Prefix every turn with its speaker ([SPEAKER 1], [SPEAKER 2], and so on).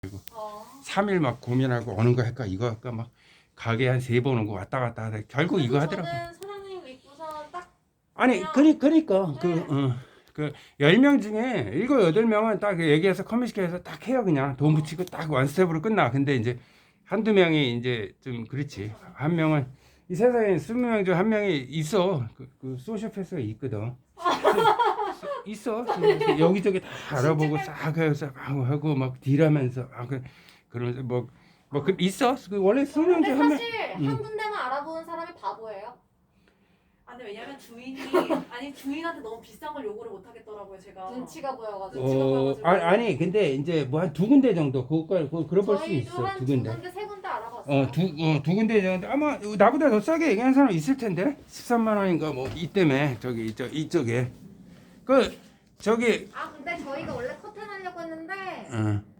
[SPEAKER 1] 어.
[SPEAKER 2] 3일 막 고민하고 어느 거 할까 이거 할까 막 가게 한 3번 오고 왔다 갔다 하다 결국 이거 하더라고.
[SPEAKER 1] 저는 사장님 믿고서 딱
[SPEAKER 2] 아니
[SPEAKER 1] 그냥-
[SPEAKER 2] 그러니까
[SPEAKER 1] 네.
[SPEAKER 2] 그 10명 중에 7, 8명은 딱 얘기해서 커뮤니케이션해서 딱 해요. 그냥 돈 붙이고 딱 원스텝으로 끝나. 근데 이제 한두 명이 이제 좀 그렇지. 한 명은 이 세상에 20명 중 한 명이 있어. 그 소시오패스가 있거든. 있어. 여기저기 다 알아보고 싹 해서 막 하고 막 딜하면서 그러면서 뭐 있어. 그 원래 20명
[SPEAKER 1] 근데
[SPEAKER 2] 중 한 명.
[SPEAKER 1] 사실 한 군데만 알아보는 사람이 바보예요.
[SPEAKER 3] 아, 근데 왜냐면 주인이 아니 주인한테 너무 비싼 걸 요구를 못 하겠더라고요 제가.
[SPEAKER 1] 눈치가 보여가지고.
[SPEAKER 3] 눈치가 보여가지고.
[SPEAKER 2] 아니 근데 이제 뭐 한 2군데 정도 그걸 그럴 수
[SPEAKER 1] 저희도
[SPEAKER 2] 있어.
[SPEAKER 1] 한 2군데, 3군데 알아봤어요.
[SPEAKER 2] 두 군데 정도 아마 나보다 더 싸게 얘기하는 사람 있을 텐데 13만 원인가 뭐 이때문에 저기 이쪽에 그 저기
[SPEAKER 1] 아 근데 저희가 원래 커튼 하려고 했는데
[SPEAKER 2] 어.